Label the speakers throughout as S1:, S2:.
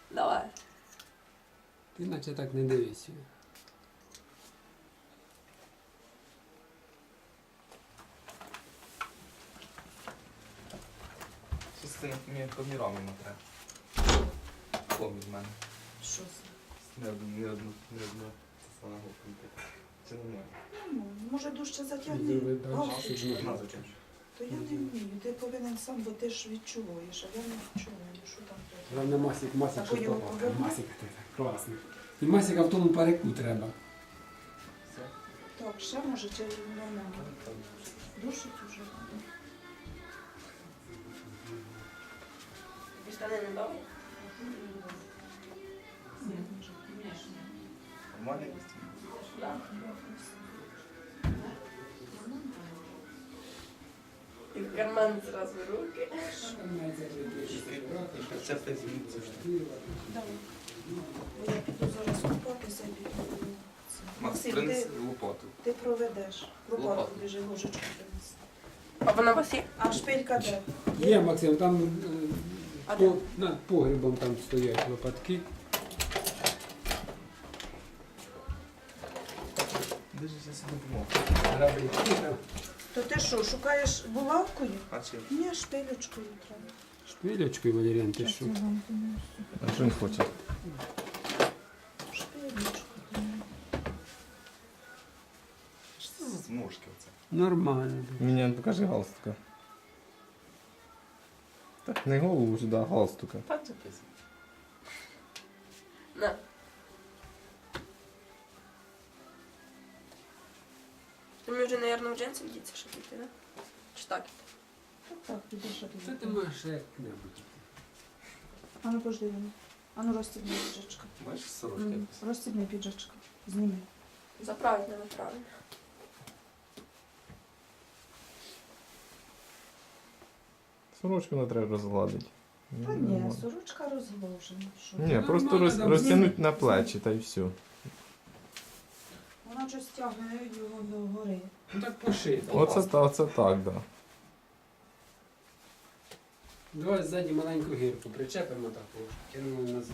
S1: Давай.
S2: Ти наче так не дивись.
S3: Що з цими помірами треба? Помір в мене.
S4: Що це?
S3: Не одну це саме гопнути. Це нормально.
S4: Ну, може дужче затягни.
S2: Зроби далі,
S4: Галстук.
S2: щоб не-
S3: На зачем?
S4: То я не вмію. Ти повинен сам, бо ти ж відчуваєш, а я не відчуваю, що там треба.
S2: Головне Масик,
S4: Так,
S2: щоб
S4: його
S2: попав.
S4: поверни.
S2: Масик, ти так, класно. І Масика в тому парику треба.
S3: Все.
S4: Так, ще може чи нормально? Душить уже.
S1: Тобі штани не дали?
S4: Ні, може, звісно.
S3: Нормально?
S1: Так. І в карман зразу руки.
S3: Це все зміниться.
S4: Давай. Бо я піду зараз купатися і піду.
S3: Макс,
S4: Максим,
S3: принеси лопату.
S4: ти проведеш. Лопату
S3: Лопату.
S4: біжи, ложечку принеси.
S1: А вона у вас є?
S4: А шпилька де?
S2: Є, Максим, там
S4: А
S2: над погрібом там стоять лопатки.
S3: Держися себе допомогу.
S2: Граблі.
S4: То ти що, шукаєш булавкою?
S3: А чим?
S4: Ні, шпилечкою треба.
S2: Шпилечкою, Валеріан, ти що?
S3: А що він хоче?
S4: Шпилечкою.
S3: Що це за зморшки оце?
S2: Нормально.
S5: Мені покажи галстука. Так, не голову сюди, а галстука.
S3: Так записано.
S1: На. Ти мені вже, мабуть, в джинси вдіться, щоб йти, да? Чи так?
S4: Так, підеш, що
S2: Це ти
S4: ти.
S2: можеш як-небудь.
S4: А ну пожди мене. А ну розстібни піджачка.
S3: Бачиш, сорочки якось.
S4: Розстібни піджачка. Зніми.
S1: Заправить мене правильно.
S5: Сорочку не треба розгладити.
S4: Та ні, сорочка розгложена. Що?
S5: Ні, просто
S2: Нормально, там
S5: розтягнуть на плечі та й все.
S4: Вона щось тягне його до гори.
S2: Ну так поши.
S5: Оце так, да.
S2: Давай ззаді маленьку гірку причепимо таку, кинемо назад.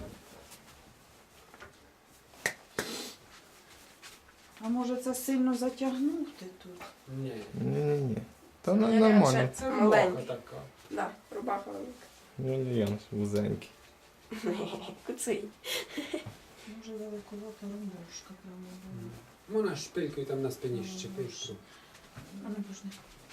S4: А може це сильно затягнути тут?
S2: Ні.
S5: Ні. Та
S1: Ні,
S5: нормально.
S1: ще-
S2: Це
S1: Маленький.
S2: рубаха така.
S1: Да, рубаха велика.
S5: Янус вузенький.
S1: Куций.
S4: Може великовата румбушка прямо була.
S2: Можна шпилькою там на спині щепиш.
S4: А ну пожди.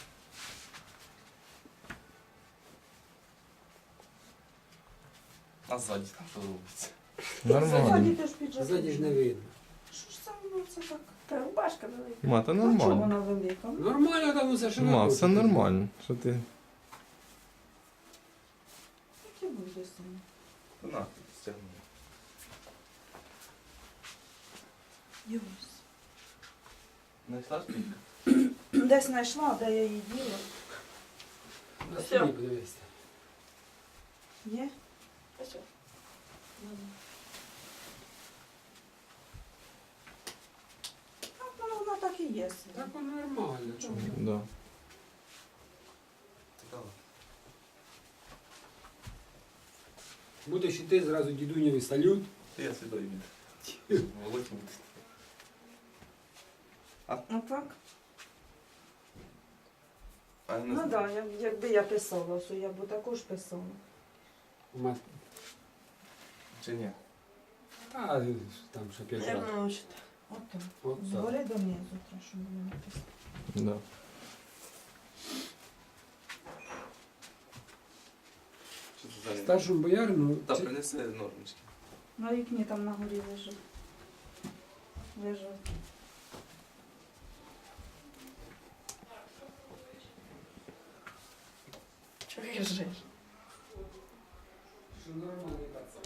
S3: А ззаді там що робиться?
S5: Нормально.
S4: Ззаді теж піджак.
S2: Ззаді ж не видно.
S4: Що ж це воно це так?
S1: Та рубашка велика.
S5: Ма, та
S4: А чого
S5: нормально.
S4: вона велика?
S2: Нормально там усе широко.
S5: Ма, все нормально. Що ти?
S4: Яке буде саме?
S3: Ну на, стягнули.
S4: Дивись.
S3: Знайшла шпилька?
S4: Десь знайшла, де я її діла.
S2: На спині подивися.
S4: Є?
S1: А що?
S4: Так, ну, вона так і є.
S2: Так воно нормально. Чому?
S5: Да.
S3: Цікаво.
S2: Будеш іти зразу дідунєвий салют.
S3: Я сюди йду. Володь буде.
S4: Ну так?
S3: А я не
S4: Ну так,
S3: знаю.
S4: якби я писала, то я б також писала.
S3: Чи ні?
S2: Та там ще 5
S1: Як
S2: разів.
S1: научити?
S4: От так.
S2: От так.
S4: Згори донизу, треба, щоб мене написати.
S5: Да.
S3: Що це за
S2: Старшому боярину
S3: Та принеси нормочки.
S4: На вікні там на горі лежить. Лежать.
S1: Чого кажеш?
S2: що нормальний пацан.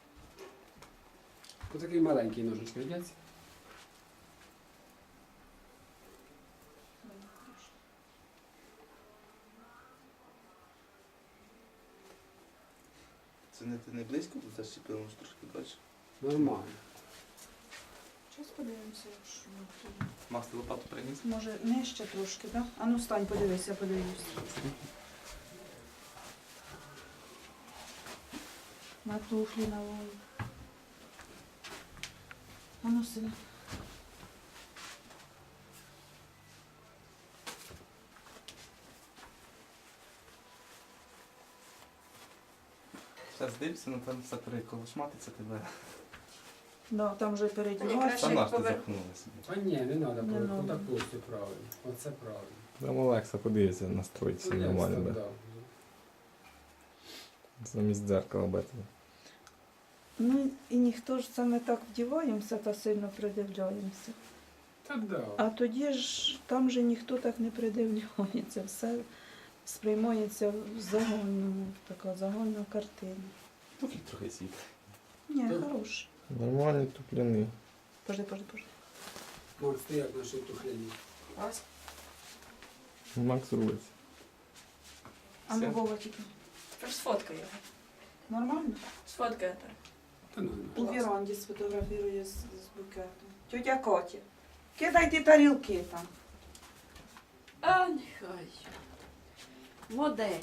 S2: Ось такий маленький ножичок, йдеться.
S3: Це не близько, бо зачепило може трошки далі.
S2: Нормально.
S4: Зараз подивимося, що тут.
S3: Макс, ти лопату приніс?
S4: Може нижче трошки, так? А ну встань, подивись, я подивлюсь. На туфлі на Вові. А ну, сина.
S3: Зараз дивишся, ну там все переколошматиться тебе.
S4: Да, там вже
S1: Ні,
S4: передіваєш.
S1: краще.
S3: Там наш ти
S1: повер-
S3: запхнула собі.
S2: А ні, не треба,
S4: Не надо.
S2: отак все правильно. Оце правильно.
S5: Там Олекса подивиться, настроїться нормально,
S2: да.
S5: да. Замість дзеркала бити.
S4: Ну і ніхто ж це ми так вдіваємося та сильно придивляємося.
S2: Та да.
S4: А тоді ж там же ніхто так не придивляється, все сприймається в загальному, така загальна картина.
S3: Туфлі трохи світ.
S4: Ні,
S2: Так.
S4: хороший.
S5: Нормальний тупляний.
S4: Пожди.
S2: Макс, ти як наші тухляні?
S1: Клас.
S5: Макс рулиться.
S4: А ну
S3: Все.
S4: Вова тільки.
S1: Тепер сфоткай його.
S4: Нормально?
S1: Сфоткай так.
S2: Та ну,
S4: У віранді сфотографірує з букетом. Тетя Катя, кидайте тарілки там.
S6: А, нехай. Модель.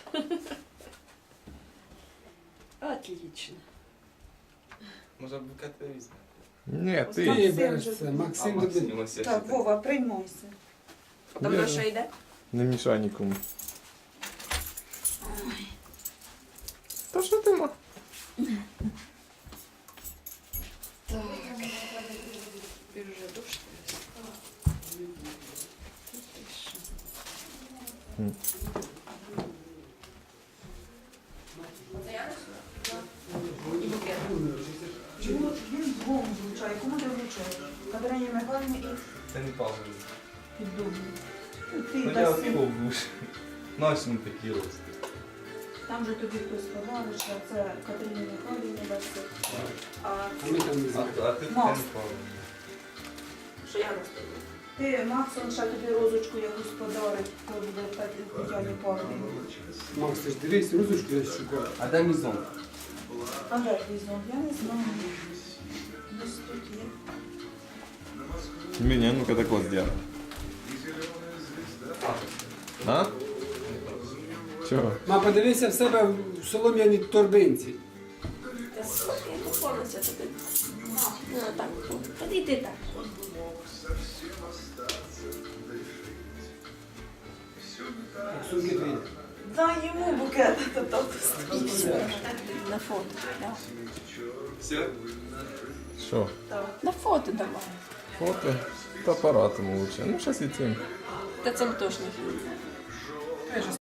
S6: Отлично.
S3: Може букет візьме.
S5: Ні,
S2: ти
S5: ти.
S2: береш це, Максим
S3: А
S2: тобі.
S3: Максим ось я
S4: Так,
S3: ще
S4: Вова, приймайся.
S1: Там
S5: Ні.
S1: на що йде?
S5: Не мішай нікому. Та що ти ма?
S6: Так. Теперь уже душ.
S1: Це я несу? І букет.
S4: Він двом влучає. Кому ти влучаєш? Катерині Михайлівні і
S3: Це не пауза.
S4: під дубом.
S3: Ну
S4: Ти
S3: я
S4: даси.
S3: пиво в душ. Нашому такі рости.
S4: Там же тобі хтось подариш, а це Катерині Михайлівні даси. А
S2: А ми там не
S3: А
S2: знаємо.
S3: ти таке
S4: Макс.
S3: не пауза.
S1: Що я наступила?
S4: ти, Максон, ще тобі розочку якусь подарить, коли буде Тетяні Павлівні.
S2: Макс, ти ж дивись, розочку я шукаю.
S3: А де мізон?
S4: А де твій зон? Я не знаю. Десь тут є.
S5: Мені, ну-ка так ось сделай. А? Чого?
S2: Ма, подивися в себе в солом'яній торбинці.
S1: Та сфоткай, поклонися туди. Ну, так. Подійди так.
S2: Як сумки твої.
S4: Дай йому букет, а то там стоїть.
S6: На фото. Да.
S3: Все?
S5: Що?
S6: На фото давай.
S5: Фото? Та апаратом лучше. Ну, зараз і цим.
S6: Та це точно.